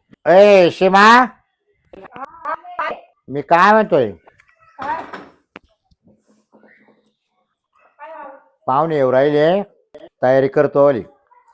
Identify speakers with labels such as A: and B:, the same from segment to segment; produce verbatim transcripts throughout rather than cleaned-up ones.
A: ए शिमा, मी काय म्हणतोय, पाहुणे येऊ राहिले, तयारी करतो आली.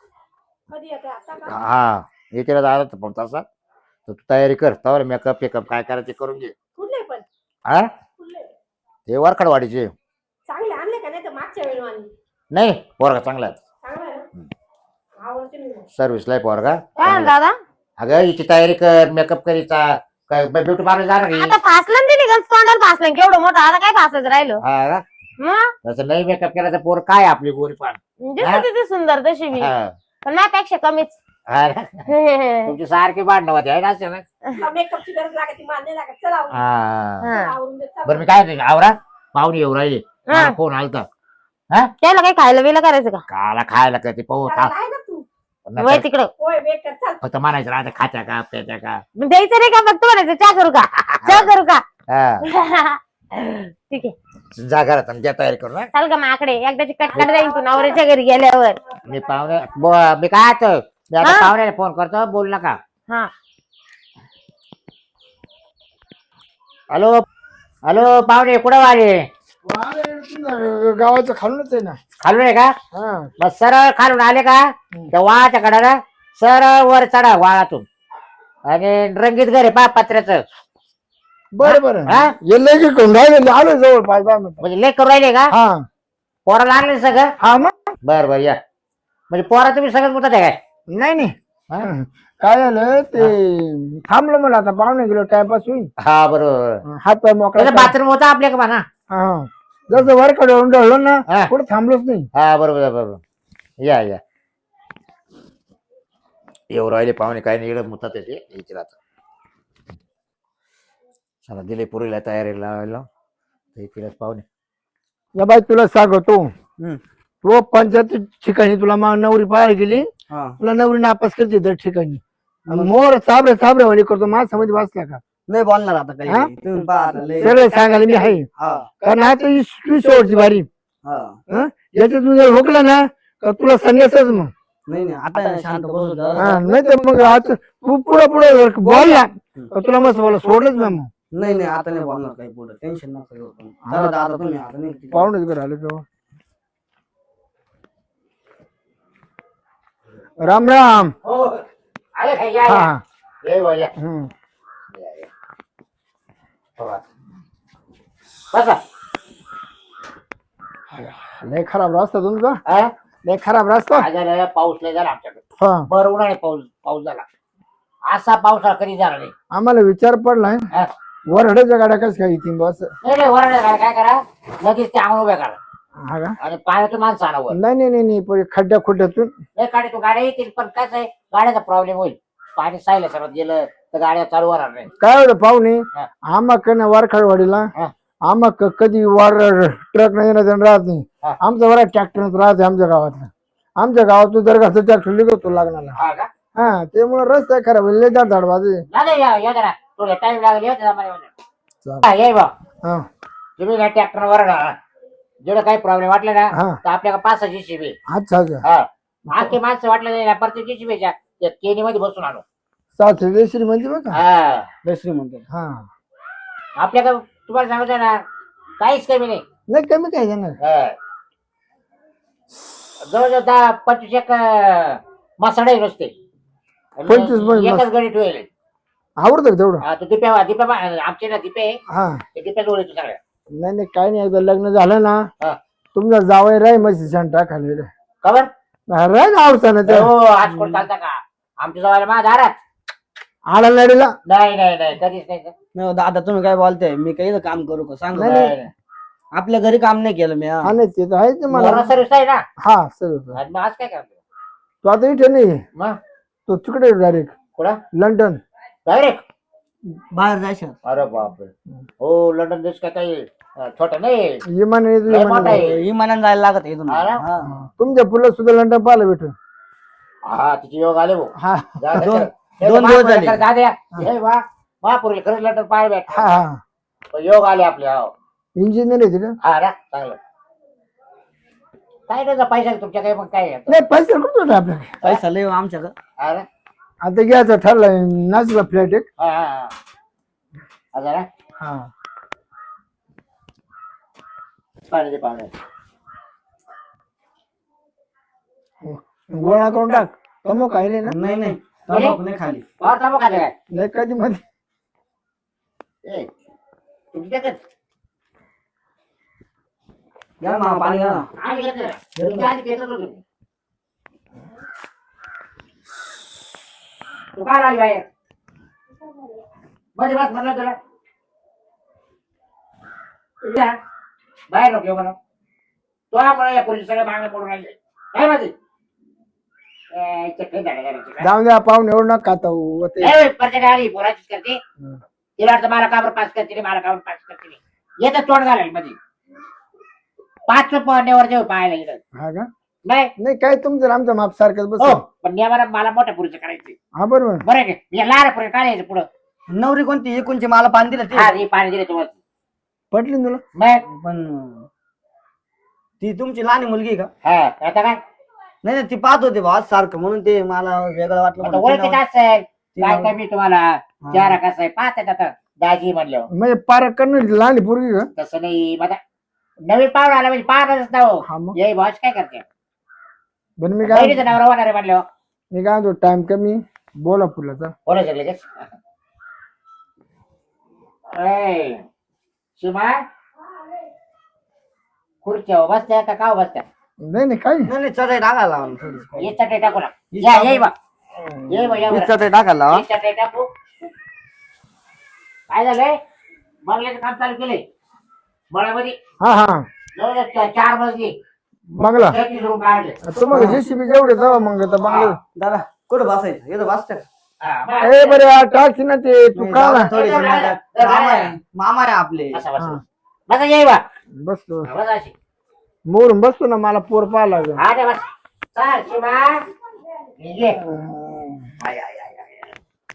A: हा येते दादा पण तसा तर तू तयारी कर. तर मेकअप पेकअप काय करायचे करून घे.
B: पण
A: हा ते वरखडवाडीचे
B: चांगले आणले का? नाही तर मागच्या वेळी आणले.
A: नाही पोरगा चांगला आहे.
B: चांगला आहे ना? आवडते मी.
A: सर्व्हिसला आहे पोरगा.
C: काय दादा
A: अगं हिची तयारी कर, मेकअप करीचा. काय ब्युटी पार्लर जाणार की?
C: आता फासलं ते निघाल तोंडाला फासलं केवढं मोठं. आता काय फासायचं राहिलं?
A: हा का?
C: मग
A: तसं नाही मेकअप केला तर पोर काय आपली गोरी पान.
C: दिसते तिथे सुंदर तशी मी,
A: हा.
C: पण माझ्यापेक्षा कमीच.
A: हा ना? तुमची सारखी भांडणं होते आहे ना असे ना?
B: मेकअपची गरज लागते, मान्य लागत. चला आवरून.
A: हा
C: हा.
B: आवरून दे, चला.
A: बरं मी काय म्हणतो, आवरा पाहुणे येऊ राहिले.
C: हा.
A: फोन आलता. हा
C: त्याला काही खायला बिला करायचं का?
A: काला खायला का ते पाहू
B: चला, आहे ना तू?
C: वय तिकडं
B: होय वेट कर, चल.
A: फक्त म्हणायचं राहते खात्या का प्याच्या का.
C: मग द्यायचं नाही का? फक्त म्हणायचं चहा करू का, चहा करू का?
A: हा.
C: ठीक आहे,
A: जा घरात आणि द्या तयारी करू.
C: चाल का माकडे एकदाची कटकट जाईल तू नवऱ्याच्या घरी गेल्यावर.
A: मी पाहुणे ब- मी काय आता मी आता
C: हा?
A: पाहुण्याला फोन करतो, बोल नका.
C: हा
A: हॅलो हॅलो पाहुणे कुठं वाले?
D: गावाचं खालूनच आहे ना.
A: खालून आहे का?
D: हा
A: मग सरळ खालून आले का त्या वाळाच्या कडाला सरळ वर चढा वाळातून आणि रंगीत घर आहे पा पत्र्याचं.
D: बरं बरं
A: हा?
D: येले की कोण राहिले आलो जवळ पाच दहा मिनिट.
A: म्हणजे लेख करू राहिले का?
D: हा
A: पोराला आणले सगळं?
D: हा मग
A: बर बर या. म्हणजे पोरा तुम्ही सगळं मुतात आहे काय?
D: नाही नाही
A: हा?
D: काय झालं ते थांबलो मला आता पाहुणे गेलो टाइमपास होईल.
A: हा बरोबर.
D: हात पाय मोकळा
A: त्याचं बाथरूम होता आपल्या का म्हणा?
D: हा जसं वर कडे ढळलो ना
A: हा.
D: पुढे थांबलोच नाही.
A: हा बरोबर बरोबर या या. येऊ राहिले पाहुणे काय नाही इकडे मुतात त्याचे यायचे राहतात. चला दिले पुरीला तयारी लावायला तिलाच पाहुणे.
D: या बाई तुला सांगतो तो पंचायत ठिकाणी तुला मा नवरी पाहायला गेली, तुला नवरी नापास करते दर ठिकाणी. मोर चाबरे चाबरे वाणी करतो माझ्या मध्ये वाचला का?
E: नाही बोलणार आता
D: हा?
E: काही तुम्ही पहा आता लय-
D: सगळं सांगायला मी आहे.
E: हा,
D: कारण आता ही तू शेवटची बारी.
E: हा.
D: हं? याच्यातून जर हुकलं ना तर तुला संन्यासच मग.
E: नाही नाही आता शांत बसू जरा.
D: हा नाही तर मग आता तू पुढे पुढे बोलला तर तुला मस्त बोला सोडलंच ना मग.
E: नाही नाही आता नाही बोलणार काही पुढे टेन्शन नका घेऊ तुम्ही. चला दादा तुम्ही आता नाही
D: पाहुणेच घर आले तेव्हा. राम राम.
A: हो आले काय? या
D: हा
A: या.
D: हा.
A: ये बुवा, या.
D: हम्म.
A: या, या. बघा. बसा.
D: लय खराब रस्ता तुमचा,
A: हा?
D: लय खराब रस्ता.
A: काय झालं? पाऊस लय झाला आमच्याकडे.
D: हा
A: बरं उन्हाळे पाऊस पाऊस झाला. असा पावसाळा कधी झाला नाही.
D: आम्हाला विचार पडलाय
A: हा?
D: वरड्याच्या गाड्या कस काय येतील बस.
A: नाही नाही वरडे काय काय करा लगेच ते अंगण उभ्या करा
D: हा का?
A: आणि पाण्यातून माणसं आणा वर.
D: नाही नाही नाही नाही पण खड्ड्या खुड्ड्यातून.
A: नाही गाडी तू गाड्या येतील पण कसं आहे गाड्याचा प्रॉब्लेम होईल. पाणी सायला सर्वात गेलं तर गाड्या चालू होणार नाही.
D: काय एवढं पाहुणे
A: हा.
D: आम्हा ना वारखाडवाडीला
A: हा.
D: आम्हा कधी वार ट्रक नाही येणं जाणं राहत नाही.
A: हा.
D: आमचा बरा ट्रॅक्टर राहते आमच्या गावातला. आमच्या गावातून जर घरचं ट्रॅक्टर निघतो लागणार.
A: हा का?
D: हा त्यामुळे रस्ता खराब लय दाट झाड बाजू.
A: नाही या या जरा तुला टाइम लागेल येते
D: चालेल.
A: हा ये बा
D: हा
A: तुम्ही ना ट्रॅक्टर वर जेवढं काही प्रॉब्लेम वाटले ना
D: हा.
A: तर आपल्याला पाच सहा जीसीबी
D: अच्छा अच्छा
A: हा आखी माणसं वाटलं नाही ना प्रत्येक जीसीबीच्या त्या केनी मध्ये बसून आणू.
D: सासरी श्री म्हणजे बघा.
A: हा
E: दुसरी म्हणतो.
D: हा
A: आपल्याकडे तुम्हाला सांगतो ना काहीच कमी नाही.
D: नाही कमी काय जाणार.
A: हा. जवळजवळ दहा पंचवीस एक मसाडे नुसते आणि
D: पंचवीस पण
A: एकच गडी ठेवले.
D: आवडतं का तेवढं.
A: हा तो दिप्या दिप्या आमचे ना दिपे
D: हा
A: ते दिप्या जवळ येतो सगळ्या.
D: नाही नाही काय नाही एकदा लग्न झालं ना
A: हा.
D: तुमचा जावई राय म्हशी छान टाकायला
A: खबर
D: राय ना आवडता ना
A: हो आज कोण चालता का आमच्या जवळ माझ्या दारात.
D: आला लढीला.
A: नाही नाही नाही कधीच नाही.
E: नाही हो, दादा तुम्ही काय बोलताय मी काही काम करू का सांग.
D: नाही,
A: नाही, नाही.
E: आपल्या घरी काम नाही केलं मी हा.
D: हा नाही ते तर आहेच ना मला.
A: मोरा सर्विस आहे ना
D: हा सर
A: आणि मग आज काय करतो
D: तो आता इथे नाही
A: मग
D: तो तिकडे डायरेक्ट
A: कुठं
D: लंडन.
A: डायरेक्ट.
E: बाहेर जायचं.
A: अरे बापरे हो लंडन देश काय काही अं, छोटा नाही
D: विमान
A: लय मोठा
D: विमान
A: आहे.
E: विमानाने जायला लागत इथून.
A: हा ना?
E: हा.
D: तुमच्या पुला सुद्धा लंडन पाहिलं भेटून.
A: हा तिचे योग आले भाऊ.
D: हा
A: जा दे
E: दोन-
A: तर. हे
E: दोन
A: तर
E: दिवस
A: महापुरुष
E: झाले.
A: जा द्या. हे वा महापुरुष खरंच लंडन पाय भेट
D: हा हा
A: योग आले आपले हो.
D: इंजिनियर आहे तिथे.
A: हा ना चांगलं काय त्याचा पैसा तुमच्या काही मग काय आहे?
D: नाही पैसे कुठं होते आपल्याकडे.
E: पैसा लय हो आमच्याकडं.
A: हा ना?
D: आता घ्यायचं ठरलंय नाचला फ्लॅट एक
A: हा हा हा हजार हा?
D: हा
A: पाणी दे पाहुणे
D: गोळा करून टाक तमो खायले ना
E: नाही नाही तंबाखू नाही खाली
A: पावर थांबू खाते काय
D: नाही कधी मध्ये
A: ए तुमची त्याच्यात
E: घ्या ना पाणी घ्या ना
A: आम्ही घेतलं तुमच्या आधी घेतलं होतं तुम्ही. तू काय आली बाहेर मध्ये बस म्हणलं तुला या. बाहेर नको येऊ म्हणा तो आम्हाला या पोलीस सगळं मागणं पडून राहिले काय माझी चक्कर झालं करायची
D: जाऊन द्या पाहून एवढं नका खाता हो. ते
A: प्रत्येक आली पोराचीच करते तिला वाटतं मला काबर पास करते मला काबर पास करते येतं तोंड घालायला मध्ये पाच पडण्यावर जेव्हा पाहायला गेलं
D: हा का
A: नाही
D: नाही काय तुमचं आणि आमचं माप सारखंच बस
A: हो पण नियमाला मला मोठ्या पुरीचं करायचं
D: हा बरोबर
A: बरं आहे का लहान पुरी काय यायचं पुढं
E: नवरी कोणती एकोणची मला पाणी दिलं ते
A: हा हे पाणी दिलं तुम्हाला
D: पटली ना तुला
A: मग
E: पण ती तुमची लहान मुलगी आहे का
A: हा आता काय
E: नाही नाही ती पाहत होते भाऊ सारखं म्हणून ते मला वेगळं वाटलं
A: आता
E: म्हणून ती
A: ओळखीत
E: नाव-
A: असेल
E: ती
A: काय
E: नाव-
A: काय मी तुम्हाला चारा कसं आहे पाहतात आता दाजी म्हणलं
D: म्हणजे पार करणं लहान पोरगी का
A: तसं नाही माझा नवीन पाहुणा आला म्हणजे पाहतच ना हो
D: हा मग
A: यही भाष काय करते
D: बरं मी काय
A: बहिणीचं नवरा होणार आहे म्हणलं
D: मी काय म्हणतो टाइम कमी बोला फुलाचा
A: बोला शकले शिमा खुर्च्या बसत्या का का बसत्या
D: नाही नाही काय
E: नाही नाही चटई टाकायला लावा ना थोडी.
A: ये चटई टाकू ना या येई बा ये बा या
E: ही
A: बरं.
E: चटई टाकायला लावा
A: ये चटई टाकू काय झालंय बंगल्याचं काम चालू केलंय मळ्यामध्ये
D: हा हा
A: जवळ चार मजली
D: बंगला
A: छत्तीस रूम काढले
D: तुम्हाला जेसीबी जेवढे जावा मग आता बंगला
E: दादा कुठं बसायचं इथं बसतं का?
A: हा, बस.
D: ए बरे टाकशी ना ते तू
E: नाही,
D: का
E: जाऊ
D: ना
E: दे थोडी
A: जाऊ दे,
E: मामा
A: जाऊ दे.
E: आहे मामा आहे आपले
A: बसा बसा
D: हा.
A: बसा येई बा
D: बसतो
A: बसा अशी
D: मोरून बसतो ना मला पोर पाहा लागेल
A: हा दे बस चाल शिमा ये आय, आय, आय, आय.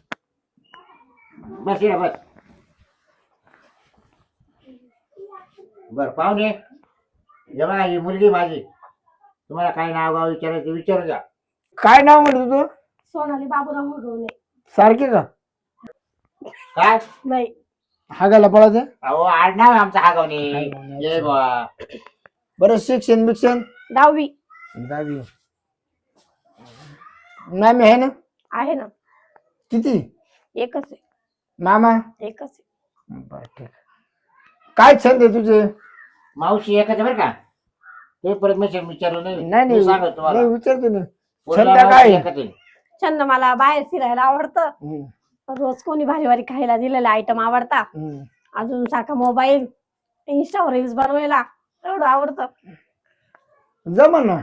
A: बस ये बस बर पाहुणे जेव्हा ही मुलगी माझी तुम्हाला काय नाव गाव विचारायचं विचारू द्या
D: काय नाव म्हणतो तू
B: सोनाली बाबूराव मुरगवणे
D: सारखे का
A: काय
B: नाही
D: हागायला पळायचं
A: अहो आडनाव आहे आमचा हा गावने
D: हागवणे,
A: ये बा
D: बरं शिक्षण बिक्षण
B: दहावी
D: दहावी मामी आहे ना
B: आहे ना
D: किती
B: एकच आहे
D: मामा
B: एकच आहे
D: बरं ठीक काय छंद आहे तुझे
A: मावशी एकच बरं का ते परत मी विचारलं नाही
D: नाही
A: मी
D: नाही
A: सांगतो तुम्हाला
D: नाही विचारतो ना
A: पोरीला
D: छंद
A: मावशी
D: काय
A: एकच आहे.
B: छंद मला बाहेर फिरायला आवडतं
D: हम्म,
B: रोज कोणी भारी भारी खायला दिलेला आयटम आवडता
D: हम्म.
B: अजून सारखा मोबाईल इंस्टावर रील्स बनवायला एवढं आवडतं
D: जमन ना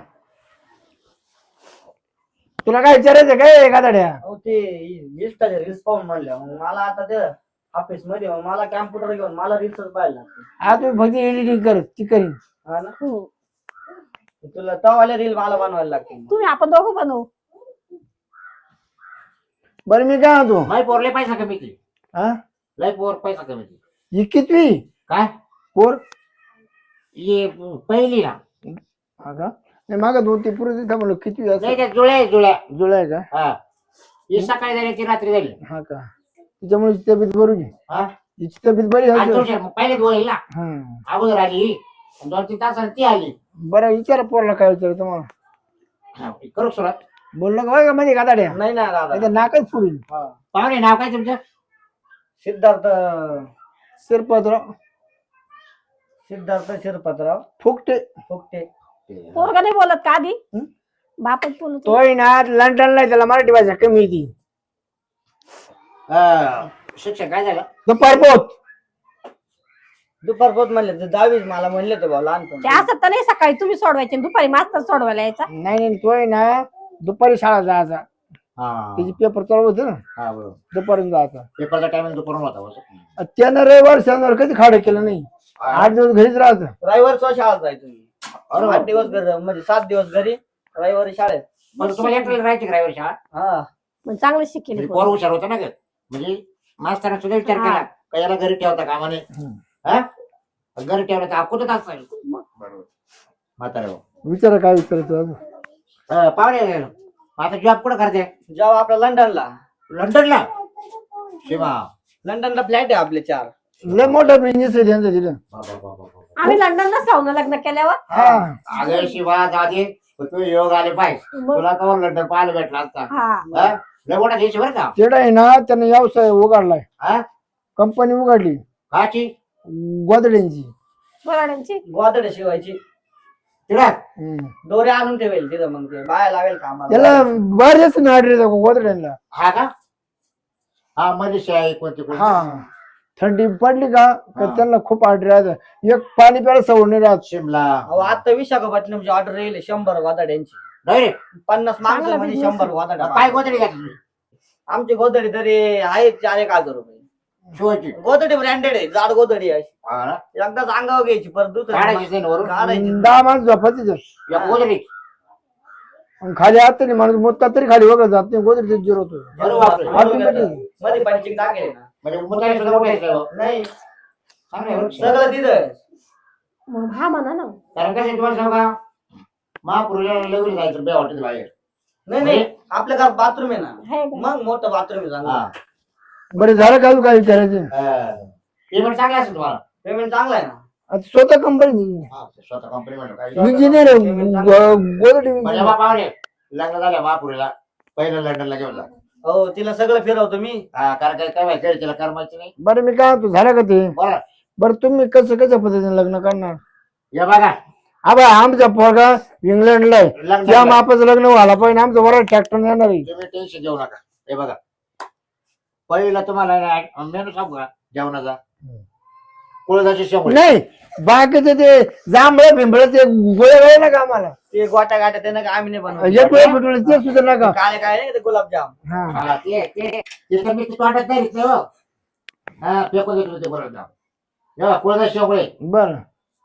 D: तुला काय विचारायचं काय गादाड्या
E: अहो ते इंस्टाचे रील्स पाहून म्हणलं मग मला आता ते ऑफिस मध्ये मग मला कॅम्प्युटर घेऊन मला रील्सच पाहायला लागते
D: आज तू फक्त एडिटिंग कर ती करीन
E: हा ना
B: हम्म.
E: तुला तवाले रील मला बनवायला लागते
B: तुम्ही आपण दोघं बनवू
D: बरं मी काय म्हणतो
A: लय पोर लय पैसा कमी ती
D: हा
A: लय पोर पैसा कमी ती
D: ही कितवी
A: काय
D: पोर
A: ये पहिली ना
D: हा का नाही मागा दोन तीन पुरे तिथं म्हणलं कितवी
A: नाही
D: असं
A: त्या जुळ्या आहे, जुळ्या
D: जुळा आहे का
A: हा ही सकाळी झाली ती रात्री झाली
D: हा का तिच्यामुळे तिची तब्येत बरी आहे.
A: हा
D: तिची तब्येत बरी
A: आणि
D: आहे
A: तुझ्या पहिले जुळेल ना
D: हा
A: अगोदर आली ही. आणि दोन तीन तासाने ती आली
D: बरं विचारा पोरला काय विचार तुम्हाला
A: हा, करू सुरुवात
D: बोललं का होय का मध्ये गादाड्या
E: नाही ना दादा
D: नाही नाकच पुढील
E: हा.
A: पाहुणे नाव काय तुमचं
E: सिद्धार्थ
D: शिरपतराव
E: सिद्धार्थ शिरपतराव
D: फुकटे
E: फुकटे
B: पोरगा नाही बोलत का आधी
D: हं?
B: बापच बोलत
D: तोय ना लंडनला आहे, त्याला मराठी भाषा कमी येते
A: हा, शिक्षण काय झालं
D: दुपार पोत
E: दुपार पोत म्हणले ते दहावीच मला म्हणले ते भाऊ
B: ते
E: लहानपण
B: असं तर नाही सकाळी तुम्ही सोडवायचे आणि दुपारी मास्तर सोडवायला यायचा
D: नाही नाही तोय ना दुपारी शाळा जायचा
A: हा
D: त्याची पेपर चालू होते ना
A: हा बरोबर
D: दुपारून जायचा
A: पेपरचा टाइम दुपारून होता बस.
D: त्यानं रविवार शनिवार कधी खाडं केलं नाही आठ दिवस घरीच राहायचं
E: रविवार सो शाळेत जायचो मी
A: बरोबर.
E: आठ दिवस घरी म्हणजे सात दिवस घरी रविवारी शाळेत
A: मग तुम्हाला एकट्याला राहायची ड्रायव्हर शाळा
E: हा
B: मग चांगलं शिकेल
A: म्हणजे पोर हुशार होता ना ग म्हणजे मास्तरांना सुद्धा विचार केला का याला घरी ठेवता कामाने हा घरी ठेवलं तर कुठं तास बरोबर म्हातारे
D: विचारा काय विचारायचं अजून
A: पाहुणे मग आता जॉब कुठं करते
E: जेव्हा आपल्या लंडनला
A: लंडनला शिवा
E: लंडनला फ्लॅट आहे आपले चार.
D: लय मोठा बिझनेस आहे त्यांचा तिथं.
B: आम्ही लंडनला जाऊन लग्न केल्यावर
D: हा
A: अगं शिवा दादी तू योग आले पाहिजे
B: मग-
A: तुला कवर लंडन पाहायला भेटला असता
B: हा
A: हा? लय मोठा देश आहे बरं का
D: तिकडे आहे ना त्याने व्यवसाय उघडलाय,
A: हा
D: कंपनी उघडली
A: काची
D: गोदड्यांची.
B: बराड्यांची
E: गोदडे शिवायची
A: तिला
D: हम्म.
E: दोरे आणून ठेवेल तिथं, मग ते बाया लावेल कामाला.
D: त्याला बरेच नाडरे गोदड्यांना.
A: हा का हा मनीषा आहे कोणती कोणती
D: हा थंडी पडली का तर
A: हा.
D: त्यांना खूप ऑर्डर राहत, एक पाणी प्यायला सवड नाही राहत.
A: शिमला
E: अहो आता विशाखापट्टणमची ऑर्डर येईल शंभर गोदड्यांची,
A: डायरेक्ट
E: पन्नास माणसं
B: चांगला
E: म्हणजे
B: business
E: शंभर
B: आहे.
E: गोदड्या.
A: काय गोदडी घ्या तुम्ही
E: आमची गोदडी तरी आहे चार एक हजार रुपये.
A: शिवायची
E: गोदडी ब्रँडेड आहे, जाड गोदडी आहे.
A: हा ना?
E: एकदाच अंगावर घ्यायची परत
A: काढायची
E: दुसरं
A: नाही वरून
E: काढायची.
D: दहा माणसं झोपायची
A: या गोदडी
D: खाली आत नाही माणूस मुत्ता तरी खाली वगैरे जात नाही, गोदडी जिरो होतो.
A: बरोबर आहे.
D: Automatic.
E: मध्ये पंचिंग टाकेल ना.
A: म्हणजे मुताने सुद्धा मोठे आहेत का?
E: नाही
A: चांगलं आहे बरं.
E: सगळं तिथं.
B: मग हा म्हणा ना.
A: कारण कसं आहे तुम्हाला सांगू का महापुरुला लगेच जायचं बे हॉटेल बाहेर
E: नाही नाही आपल्या घरात बाथरूम आहे ना,
B: आहे का?
E: मग मोठं बाथरूम आहे चांगलं.
A: हा
D: बरं झालं का काय विचारायचं.
A: पेमेंट चांगलं असेल तुम्हाला
E: पेमेंट चांगलं आहे ना.
D: आता स्वतः कंपनी
A: हा, स्वतः कंपनी म्हणून काय
D: इंजिनियर गोदडी
A: म्हणजे बापावले लग्न झालं महापुरीला पहिलं लंडनला घेऊन जा
E: हो तिला सगळं फिरवतो मी.
A: हा कारण काय काय माहिती तिला करमायचं नाही
D: बरं मी काय म्हणतो झालं का ते.
A: बरं
D: बरं तुम्ही कसं कशा पद्धतीने लग्न करणार.
A: या बघा
D: आबा आमचा पोरगा इंग्लंडला आहे,
A: लग्न
D: त्या मापाचं लग्न व्हायला पाहिजे, आमचं बरं ट्रॅक्टर येणार आहे.
A: तुम्ही टेन्शन घेऊ नका. हे बघा पहिला तुम्हाला मेनू सांगू का जेवणाचा कुळदाची शेवळ
D: नाही बाकीचे ते जांभळं भिंबळ ते गोळे गोळे नका आम्हाला,
E: ते गोट्या गाट्या त्यानं काय आम्ही नाही
D: एक
E: बनवत.
D: वेळ फुटवलं ते सुद्धा नका.
E: काय काय नाही ते गुलाबजाम.
D: हा
A: हा, ते ते ते तर मी तोंडात नाही घेतलं हो. हा फेकून देतो ते बरोबर जेव्हा कुळदाची शेवळे
D: बरं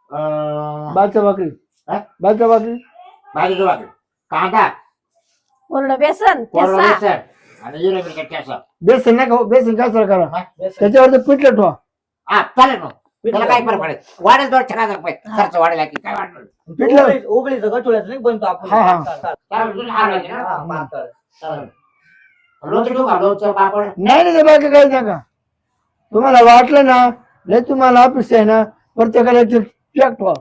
D: बालच्या भाकरी
A: हा?
D: बालच्या भाकरी
A: भाजी वाटली कांदा
B: कोरडं बेसन
A: कोरडा
B: ठेचा.
A: बेसन आणि जिरे मिरची ठेचा
D: बेसन नका हो, बेसन काय करा
E: बेसन.
D: त्याच्यावर ते पिठलं ठेवा.
A: हा चालेल मग त्याला काय फरक पडेल वाढेल दोन ठेका खर्च वाढेल की काय वाढणार
D: पिठलं
E: उबळी- उबळीचं गठुळ्याचं नाही बनतो आपण.
D: हा, हा.
A: चालेल, तुझं हार लागेल ना?
E: हा, पातळ.
A: चालेल. लोणचं ठेवू का लोणचं पापड
D: नाही नाही ते बाकी काही नका. तुम्हाला वाटलं ना लय तुम्हाला ऑफिस आहे ना प्रत्येकाला ते पॅक ठेवा.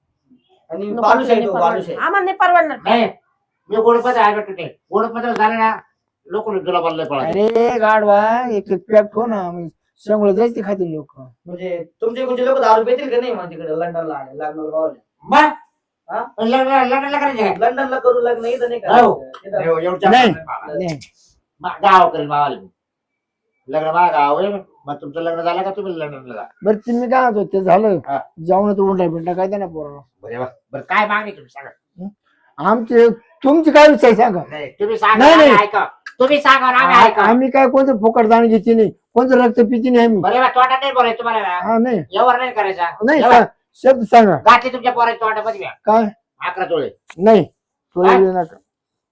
E: आणि
B: नको,
E: बालुशाही
B: नाही
E: ठेवू,
B: परवडणार.
E: बालुशाही.
B: आम्हाला नाही परवडणार.
A: नाही मी गोडपत्र आहे भेटतो ते गोडपत्र झालं ना लोक तुला बोलले पळा
D: अरे गाडवा एक पॅक ठेव ना, शेंगुळे जायचे खातील लोक.
E: म्हणजे तुमचे कोणते लोक दारू पितील का नाही मग तिकडे लंडनला आले लग्नाला गावाला?
A: मग
E: हा?
A: लग्न लग्नाला करायचं काय?
E: लंडनला करू लग्न इथं नाही
A: हो.
E: करायचं. इथं-
A: एव- एवढं
D: नाही.
A: जास्त
D: नाही
A: मा- गाव करेल मावाले लग्न माझ्या गाव आहे मग तुमचं लग्न झालं का तुम्ही लग्नाला जा
D: बरं तुम्ही काय म्हणतो ते झालं
A: हा.
D: जाऊन तर उंडा बिंडा काय ना पोराला.
A: बरे वा. बरं काय मागणी तुम्ही सांगा
D: आमचे तुमची काय विचार सांगा.
A: नाही तुम्ही सांगा
D: नाही,
A: आम्ही
D: नाही.
A: ऐका तुम्ही सांगा आम्ही
D: आ-
A: ऐका
D: आम्ही काय कोणतं फुकट दाण घेते नाही, कोणतं रक्त पिती नाही आम्ही.
A: बरे वा तोंडात नाही बोलायचं तुम्हाला
D: हा नाही
A: एवढं नाही करायचा
D: नाही
A: एवढं.
D: सा- शब्द सांगा
A: गाठी तुमच्या पोराच्या तोंडामध्ये घ्या.
D: काय
A: अकरा तोळे
D: नाही तुला
A: काय?
D: येऊ नका.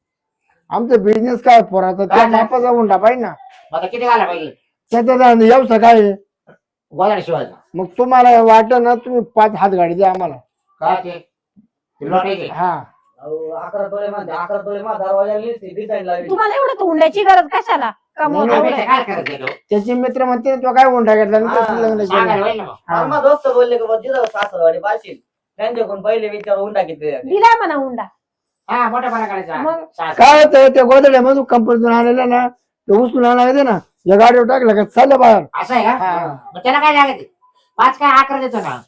D: आमचा बिझनेस काय पोराचा त्या
A: काय?
D: मापाचा उंडा पाहिजे ना,
A: मग आता किती घाला पाहिजे
D: त्याचा व्यवसाय काय आहे?
A: गोदाड शिवायचा
D: मग तुम्हाला वाटलं ना तुम्ही पाच हात गाडी द्या आम्हाला.
A: काय ते ते लोटायचे
D: हा
E: अहो, अकरा तोळे मध्ये अकरा तोळे मध्ये दरवाजा डिझाईन लावली.
B: तुम्हाला एवढं हुंड्याची गरज कशाला कमवून
D: नाही,
A: आम्ही
B: एवढं.
A: काय करायचं तो?
D: त्याचे मित्र म्हणते तो काय उंडा घेतला आणि
E: हा,
D: तसं लग्न
A: सांगायला
D: केलं.
A: होईल ना मग.
D: हा.
E: मला दोस्त बोलले की बा जिथं सासरवाडी पाशील त्यांच्याकडून पहिले विचार हुंडा किती द्या.
B: दिलाय म्हणा हुंडा.
A: हा मोठ्यापणा करायचा
B: मग?
A: सहा-
D: काय होतं त्या गोदड्यामधून कंपनीतून आणलेलं ना ते उचलून आणायचं ना या गाडीवर टाकलं का चाललं बाहेर.
A: असं आहे का
D: हा.
A: मग त्याला काय लागत पाच काय अकरा देतो ना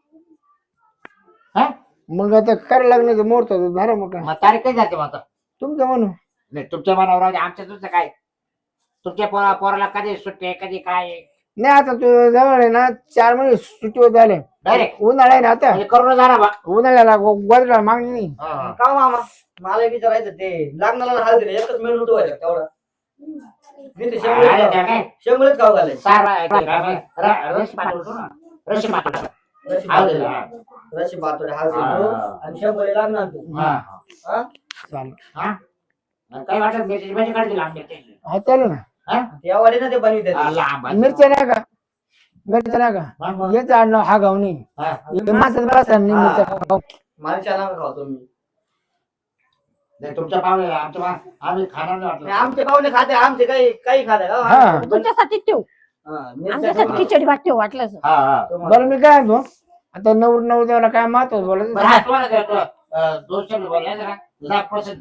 A: हा?
D: मग आता करायला लागण्याचं मुहूर्त झालं मग काय
A: मग तारीख कधी जाते मग आता
D: तुमचं म्हणून.
A: नाही तुमच्या मनावर राहू दे आमच्या तुमचं काय तुमच्या पोरा पोराला कधी सुट्टी आहे, कधी काय आहे?
D: नाही आता तू जवळ आहे ना चार महिने सुट्टीवर झाले,
A: डायरेक्ट
D: उन्हाळा आहे ना आता,
A: म्हणजे करून झाला बा
D: उन्हाळ्याला गोदडा मागणी नाही.
A: हा, हा.
E: का मामा मला एक विचारायचं ते लग्नाला हळदी एकच मेनू होतो तेवढा मी ते
A: अरे, त्या
E: शेंगुळेच
A: काय?
E: शेंगुळेच खाऊ घालायचं.
A: सार बा- ते काय बा- र- रशी पाठवतो ना रशी पाठवतो
E: रशी
A: हळदी,
E: पातोडे
A: हा.
E: रशी पातोडे हळदी
A: हा.
E: घेऊ आणि शेंगुळे लागणार तू.
A: हा,
E: हा?
D: चालेल.
A: हा. आणि काय वाटत मिरची भाजी काढतील आमच्या
D: हा चालू ना.
E: त्या वाडी ना ते बनविते
A: हा, लांब आहे.
D: मिरच्या नाही का मिरच्या नाही का
A: हा, मग.
D: याचं आडनाव हा गावनी
A: हा.
D: माणसाचं बसा नाही मिरच्या खाऊ.
E: मला चला खाऊ तुम्ही
A: नाही, तुमच्या पाहुणे आमच्या पा- आम्ही खाणार नाही वाटलं.
E: नाही, आमचे पाहुणे खाते आमचे काही काही खाते का
D: हा.
B: तुमच्यासाठी ठेव
E: हा, मिरच्या
B: आमच्यासाठी
E: ठेवा.
B: खिचडी भात ठेव वाटलं असं.
A: हा हा
E: तुम्हाला-
D: बरं मी काय म्हणतो आता नवर नवरदेवाला काय महत्व बोलायचं
A: बरं, हा, तुम्हाला काय वाटतं? अं, दोन शब्द बोलले जरा दहा पर्सेंट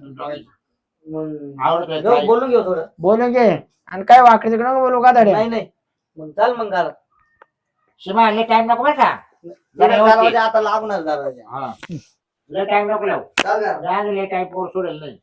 E: मग
A: आवडतोय
E: घेऊ,
A: काय?
E: बोलून घेऊ थोडं
D: बोलून घे आणि काय वाकडे तिकडे नको बोलू का दाड्या
E: नाही नाही मग चाल मग घरात
A: शिमा लय टाइम नको बरं का जरा
E: दरवाजा
A: व्यवस्थित.
E: आता लागणार दरवाजा
A: हा लय टाइम नको लावू
E: चाल घरात.
A: जाऊ लय टाइम पोर सोडेल नाही.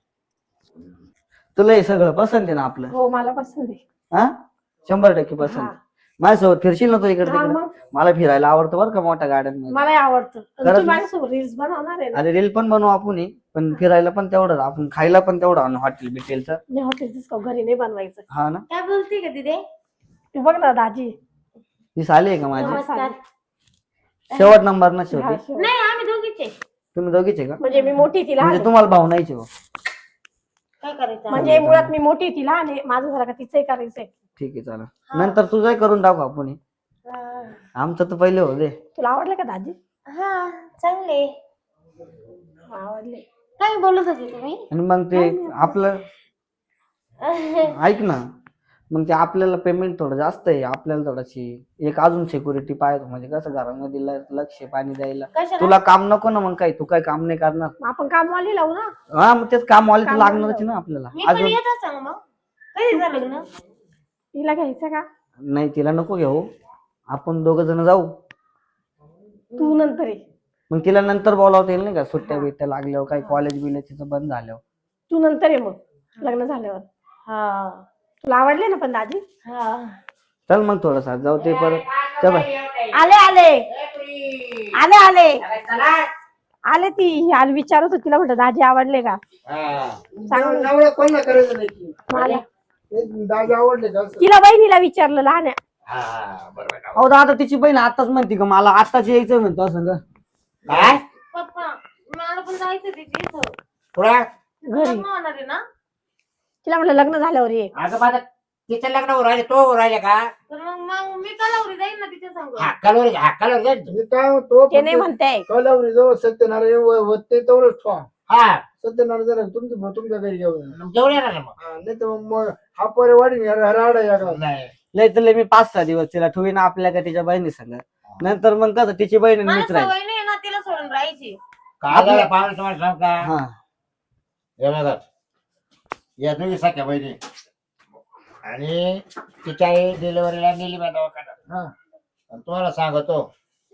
E: तुला हे सगळं पसंत आहे ना आपलं
B: हो मला पसंत आहे.
E: हा शंभर टक्के पसंत
B: हा.
E: माझ्यासोबत फिरशील ना तू इकडे
B: हा,
E: तिकडे
B: मग
E: मला फिरायला आवडतं बरं का मोठ्या गार्डन
B: मलाही आवडतं आणि
E: खरंच
B: तू
E: ना?
B: माझ्यासोबत रील्स बनवणार आहे ना.
E: अरे रील पण बनवू आपण ही, पण फिरायला पण तेवढं आपण खायला पण तेवढं आणू हॉटेल बिटेलचं
B: नाही हॉटेलच घरी नाही बनवायचं.
E: हा ना
C: काय बोलते का तिथे
B: तू बघ ना दाजी.
E: ही साली आहे का माझी
C: नमस्कार
E: शेवट नंबर ना
B: हा,
E: शेवटी
B: शेवट.
C: नाही आम्ही दोघीचे
E: तुम्ही दोघीचे का
B: म्हणजे मी मोठी ती लहान
E: म्हणजे
B: आहे.
E: तुम्हाला भाऊ नाहीचे भाऊ
C: काय करायचं
B: म्हणजे मुळात मी मोठी ती लहान आहे माझं झालं का तिचंही करायचंय.
E: ठीक आहे चालेल नंतर तुझंही करून टाकू आपण हे.
C: हा.
E: आमचं तर पहिले हो दे
B: तुला आवडलं का दाजी?
C: हा चांगले
B: आवडले.
C: काय बोलत होते तुम्ही
E: आणि मग ते आपलं ऐक ना मग ते आपल्याला पेमेंट थोडं जास्त आहे आपल्याला थोडीशी एक अजून सिक्युरिटी पाहिजे म्हणजे कसं घरामध्ये ल- लक्ष पाणी द्यायला
C: कशाला
E: तुला काम नको ना मग काही तू काही काम नाही करणार
B: मग आपण कामवाली लावू ना.
E: हा मग तेच काम वाले तर
B: काम
E: लागणारच ना आपल्याला
C: मी पण
E: अजून
C: येत सांग मग कधी झालं लग्न
B: हिला घ्यायचं का?
E: नाही तिला नको घेऊ आपण दोघ जण जाऊ
B: तू नंतर ये.
E: मग तिला नंतर बोलावता येईल नाही का सुट्ट्या बिट्ट्या लागल्यावर काही कॉलेज बिलेज तिचं बंद झाल्यावर
B: तू नंतर ये मग लग्न झाल्यावर.
C: हा
B: तुला आवडले ना पण दाजी?
C: हा
E: चल मग थोडसा जाऊ ते परत चल बाय.
B: आले आले आले आले
A: चला
B: आले ती ही आली विचारत होती तिला म्हटलं दाजी आवडले का?
A: हा.
B: चांगलं.
D: नवरा कोणाला करायचं नाही की.
B: मला
D: एक दादा आवडले का असं?
B: तिला बहिणीला विचारलं लहान आहे.
A: हा, हा, बरोबर आहे.
E: अहो दादा तिची बहीण आताच म्हणते का मला आताच यायचं म्हणतो असं का
A: काय
C: पप्पा मला पण जायचं तिथे इथं
A: पुढे
B: घरी
C: लग्न होणार आहे ना
B: तिला म्हटलं लग्न झाल्यावर ये.
A: अगं माझं तिचं लग्न होऊन राहिले तो होऊन राहिले का
C: तर मग मग मी कलावरी जाईन ना तिच्या संग
A: हक्कावर हक्कावर जाईल तू.
D: मी काय म्हणतो
B: ते नाही म्हणते
D: कलावरी जवळ सत्यनारायण व- होते तेवढंच ठेवा
A: हा
D: सत्यनारायण जरा तुमची तुमच्या घरी घेऊन या.
A: जेवढे येणार ना मग
D: हा, नाही तर मग मग हा पोरे वाढीन या राडा या का.
A: नाही
E: लय तर लय मी पाच सहा दिवस तिला ठेवीन आपल्या का तिच्या बहिणी संग नंतर मग कसं तिची बहीण आणि
C: मला
E: मित्र आहे
C: सवय नाही ना तिला सोडून राहायची
A: काय झालं पाहुणे तुम्हाला सांग का
E: हा
A: हे बघा या दोघी सख्या बहिणी आणि तिच्या आई डिलिव्हरीला नेली मी दवाखान्यात
D: हा
A: आणि तुम्हाला सांगतो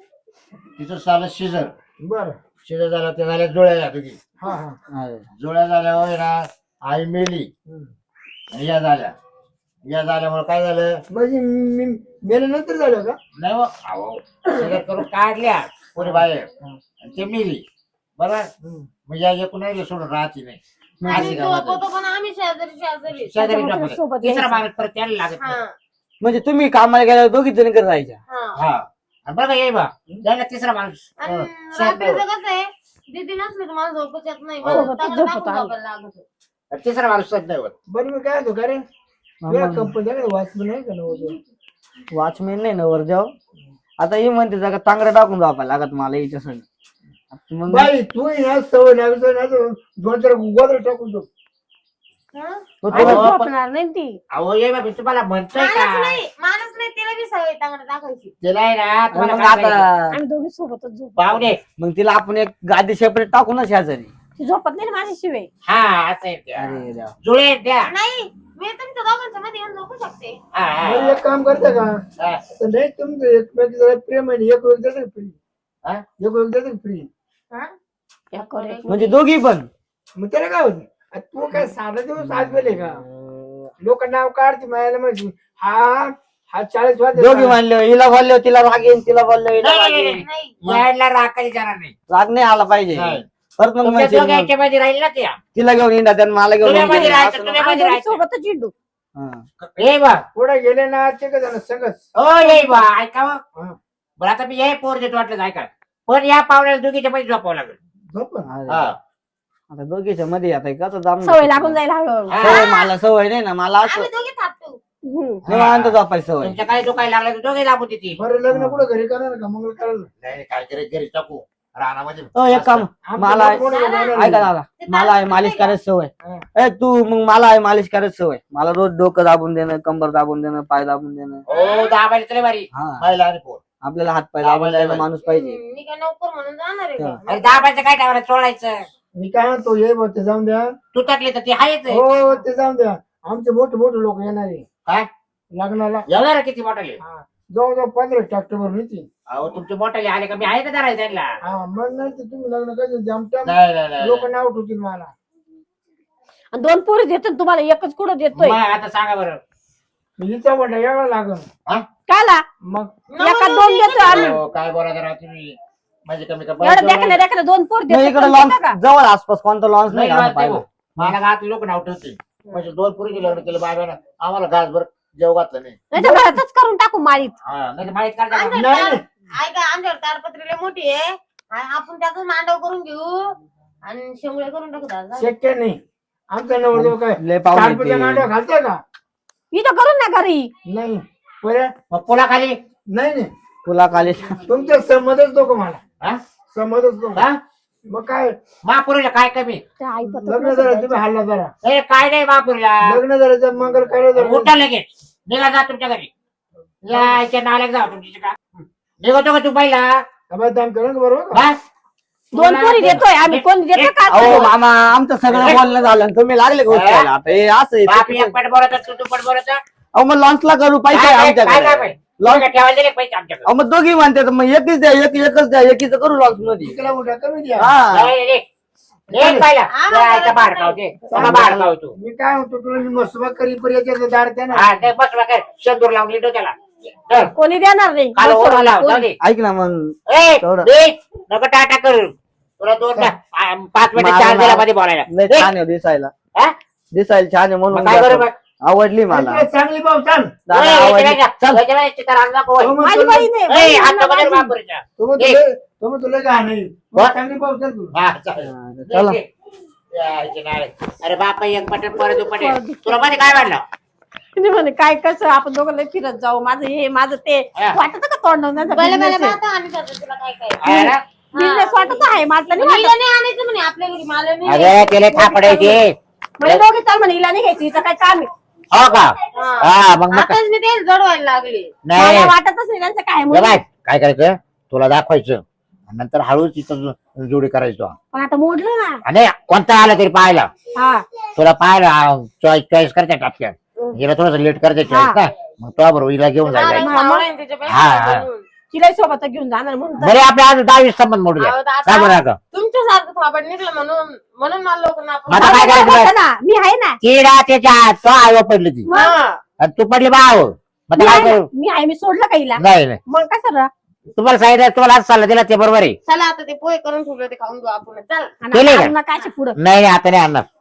A: तिचं झालं शिजर
D: बर
A: शिजर झालं ते झाल्या जुळ्या या दोघी
D: हा हा
E: हा.
A: जुळ्या झाल्यावर ना आई मेली
D: हम्म.
A: आणि या झाल्या या झाल्यामुळे काय झालं
D: म्हणजे मी मेल्यानंतर झालं का
A: नाही हो, अहो, शिजर करून काढल्या कोणी बाहेर आणि ते मेली बरोबर
D: हम्म.
A: मग या एकूण नाही सोडून राहते नाही
C: आणि
A: अशी
C: तो
A: गंमत आहे.
C: होतो पण आम्ही शेजारी शेजारी
A: शेजारी
B: त्याच्यामुळे
A: नको.
B: सोबत
A: तिसरा
B: यायचं.
A: माणूस परत त्याला लागत नाही.
C: हा
E: म्हणजे तुम्ही कामाला गेल्यावर दोघी जणी घरी राहायच्या
C: हा
A: हा आणि बघा ये बा त्याला तिसरा माणूस
C: आणि
A: अं,
C: रात्रीचं कसं आहे दीदी नसली तर मला झोपच येत नाही मला
B: सोबतच
C: चांगलं
B: झोपत
C: टाकून
B: आलं.
C: झोपायला लागत होतं.
A: तिसरा माणूस सज्ज नाही होत
D: बरं मी काय होतो का रे
E: मग-
D: कंपनी वाचलं नाही का नव्हतं
E: वॉचमॅन नाही ना वर जाऊ आता ही म्हणते जागा तांगडा टाकून जावा लागत मला हिच्या संग मग
D: बाई तू ना सवय लागत नाही तर दोन चार गोदर टाकून दो
C: हा?
E: तो
B: आणि
E: तुला-
B: झोपणार नाही ती.
A: अहो ये बा मी तुम्हाला म्हणतोय
C: माणूस
A: का
C: नाही माणूस नाही तिला बी सवय चांगलं टाकायची
A: तिला आहे ना तुम्हाला
E: मग
A: काय सांगितलं?
E: आता
B: आम्ही दोघी सोबतच झोप.
A: पाहुणे
E: मग तिला आपण एक गादी सेपरेट टाकू ना शेजारी
B: ती झोपत नाही ना माझ्याशिवाय.
A: हा असं आहे ते.
E: अरे देवा.
A: जुळे आहेत त्या
C: नाही मी तुमच्या दोघांच्या मध्ये येऊन झोपू शकते
A: हा, हा,
D: बरं, एक काम करता का
A: हा.
D: तर नाही तुमचं एकमेक जरा प्रेम आहे एक वेळ देते फ्री
A: हा?
D: एक वेळ देते फ्री
C: हा?
B: या करे.
E: म्हणजे दोघी पण
D: मग त्याला काय होतं आ, तू काय साधा दिवस आज गेले का लोक नाव काढते मायाला माहिती हा हा चाळीस वाजता
E: दोघी मानले हिला बोलले तिला राग येईन तिला बोलले हिला
A: नाही,
E: राग
A: नाही,
E: येईन
C: नाही
A: यायला राखायला जाणार नाही
E: राग नाही आला पाहिजे
A: नाही.
E: परत मग
A: तुमच्या
E: म्हणशील मग,
A: दोघांच्या मध्ये राहील ना त्या
E: तिला घेऊन येणार त्यानं मला घेऊन
A: तुझ्या मध्ये
E: येईन.
A: राहायचं,
E: असं
A: तुझ्या
E: नको.
B: आम्ही दोघी सोबतच चिडू.
E: हा.
A: ये बा
D: पुढे गेले ना ते का जण संगच
A: हो ये बा ऐका हो.
D: हा.
A: बरं आता मी हे पोर देतो वाटलं ऐका पण या पाहुण्याला दोघीच्या मध्ये झोपावं लागेल
D: झोप ना.
E: अरे.
A: हा.
E: आता दोघीच्या मध्ये आता कसं जाम
B: सवय लागून जाईल हळूहळू.
A: हा.
E: सवय मला सवय नाही ना मला असं
C: आम्ही दोघे थापतो
B: हम्म.
E: निवांत झोपायची सवय
A: तुमच्या काही दुखायला लागलं तर दोघे दाबू देते
D: बरं लग्न कुठं घरी करणार का मंगल करायला
A: नाही काय करे घरी टाकू रानामध्ये
E: हो एक काम
D: आमचे
E: मला आहे-
D: मोठे मोठे
C: दादा,
D: लोकं
E: ऐका दादा मला आहे मालिश करायची सवय ए तू मग मला आहे मालिश करायची सवय मला रोज डोकं दाबून देणं कंबर दाबून देणं पाय दाबून देणं
A: हो दाबायला तरी बारी
E: हा
A: महिला आणि पोर
E: आपल्याला हात पाय दाबून द्यायला माणूस पाहिजे
C: मी काय नोकर म्हणून जाणार आहे का?
A: अरे दाबायचं काय टावर सोडायचं
D: मी काय म्हणतो ये बघ ते जाऊन द्या
A: तू टाकली तर ती आहेच आहे.
D: हो ते जाऊन द्या आमचे मोठे मोठे लोक येणार आहे
A: काय
D: लग्नाला
A: येणार किती मोठाले
D: हा. जवळजवळ पंधरा ट्रॅक्टर भरून येते
A: अहो तुमचे मोठाले आले का मी आहे का धरायला त्यांना
D: हा मग नाही तर तुम्ही लग्न कसं जमता
A: नाही नाही, नाही
D: लोक नाव ठेवतील मला
B: आणि दोन पोरी देतो ना तुम्हाला एकच कुठं देतोय
A: मग आता सांगा बरं
D: हिचा वाटा यावं लागल
A: हा?
B: काला
D: मग
B: एका दोन देतो आम्ही
A: हो, काय बोलायचं राव तुम्ही म्हणजे कमी का
B: एवढं देखण्या देखण्या दोन पोर
E: नाही,
B: देतो
E: इकडे
B: पण
E: लॉन्च
B: देता का?
E: जवळ आसपास कोणतं लॉन्च नाही
A: नाही
E: का
A: राहत
E: पाहिलं
A: नाही भाऊ. मला गावात लोक नाव ठेवतील म्हणजे दोन पुरी लग्न केलं बायबानं आम्हाला घासभर जेव घातलं नाही
B: नाही तर घरातच करून टाकू माळीत
A: हा नाही तर माहित काढता का?
C: आमच्याकडे
D: नाही,
C: तार- ऐका आमच्याकडे तारपत्री लय मोठी आहे आणि आपण त्याचं मांडव करून घेऊ आणि शेंगुळे करून टाकू दादा
D: शक्य नाही आमचा नवरदेव काय
E: लय पाहुणे
D: चारपत्या
E: ते.
D: मांडव घालतोय का
B: इथं करून ना घरी
D: नाही पर्या
A: मग पुलाखाली
D: नाही नाही
E: तुला काले
D: तुमचं संमतच नको मला
A: हा?
D: संमतच नको
A: हा?
D: मग काय
A: महापुरीला काय कमी
B: त्या आई पत्र
D: लग्न जरा तुम्ही हल्ला जरा
A: ए काय नाही महापुरीला
D: लग्न जरा मंगल कार्य जरा
A: उठा लगेच निघा जा तुमच्या घरी यायच्या नाल्यात जा तुमची का निघतो का तू पहिला
D: अबे दाम करा ना बरोबर का?
A: बस
B: दोन पोरी देतोय आम्ही कोण देतो का
E: अहो मामा आमचं सगळं बोलणं झालं आणि तुम्ही लागले गोष्ट करायला. आता हे असं
A: बाप
E: आहे.
A: एक पट बोलत तू तू पट बोलत
E: अहो मग लॉन्चला करू पैसे
A: काय- काय- काय
E: आमच्याकडे
A: काय पाहिजे?
E: लॉन्च
A: तुला ठेवायला दिले पैसे आमच्याकडे
E: अहो मग दोघी म्हणते तर मग एकच द्या एक एकच द्या एकीच करू लॉन्च मध्ये
D: इकडे उठा कमी द्या
E: हा
A: नाही, नाही, नाही. एक पहिला यायचा बाहेर खाऊ दे त्याला बाहेर खाऊ तू
D: मी काय म्हणतो तुला मी मसुबा करी पर्यंत दार त्या ना
A: हा ते बस बघ शेंदूर लावून येतो त्याला चल,
B: कोणी देणार नाही
A: काल ओढा लाव जाऊ दे
E: ऐक ना मग
A: ए,
E: तेवढं.
A: दे, नको टाटा करू तुला दोन आ, पाच मिनिटं
E: मला-
A: चार दिला मध्ये बोलायला
E: लय
A: ए,
E: छान आहे दिसायला
A: हा?
E: दिसायला छान आहे
A: मग
E: म्हणून
A: काय करू
E: द्या.
A: मग?
E: आवडली मला
D: इकडे चांगली भाऊ सांग
E: दादा
A: ए,
E: आवडली
A: इकडे जा.
E: चल
A: याच्या वेळेस चित्रा आणला नको.
D: तो
B: माझी
D: म्हणतो
B: बहीण आहे
A: ए,
B: बहीण
A: हात
B: आहे
A: नको देऊ
B: माझी.
A: बापुरीच्या.
D: तो म्हणतो
A: ए.
D: लय- तो म्हणतो लय घाण आहे
A: वा.
D: चांगली भाऊ सांग तू
A: हा, चालेल.
E: हा, चला.
A: दे, दे. यायचे नाळे. अरे बापा एक पटेल परत पटेल तुला मध्ये काय वाटलं
B: तुम्ही म्हणे काय कसं आपण दोघं लय फिरत जाऊ माझं हे माझं ते
A: हा.
B: वाटत का तोंड
C: पहिले पहिले पाहतो आणि करतो तुला काय काय
A: आहे ना?
B: बिझनेस वाटत आहे म्हटलं नाही
C: हिला
B: वाटत.
C: नाही आणायचं म्हणे आपल्या घरी मला नाही
A: अरे त्याला थापडायचे
B: म्हणे दोघे चाल म्हणे हिला नाही घ्यायची हिचं काय काम आहे
A: हो का
C: हा.
A: हा मग मग
C: आताच मी ते जडवायला लागले
A: नाही
B: मला वाटतच नाही त्यांचं काय
A: हे
B: म्हणून.
A: बाय, काय करायचं तुला दाखवायचं आणि नंतर हळूच तिथं जोडी करायचो
B: पण आता मोडलं ना
A: आणि कोणता आला तरी पाहायला
B: हा
A: तुला पाहायला चॉईस चॉईस करते टापक्यात हिला थोडस लेट करते चॉईस ना मग तो बरोबर हिला घेऊन जायला हा.
B: तिला सोबत घेऊन जाणार म्हणून तर.
A: बरे आपल्या आज दहावीस संबंध मोडू द्या
C: अहो, दादा.
A: काय बरं आता
C: तुमच्यासारखं थापड निघलं म्हणून म्हणून मला लोक
A: आता काय करायचं
B: बघा
A: बरं?
B: ना मी आहे ना
A: तिडा त्याच्या हात तो आयो पडली ती
B: मग
A: आणि तू पडली बाव मग
B: मी
A: आता काय
B: आहे
A: करू
B: ना, मी आहे मी सोडलं का हिला
A: नाही नाही
B: मग काय सर
A: तुम्हाला सांगितलं तुम्हाला आज सल्ला दिला ते बरोबर आहे
C: चला आता ते पोहे करून ठेवलं ते खाऊन घेऊ आपण चल
A: केले का?
B: काय पुढं
A: नाही नाही, आता नाही आणणार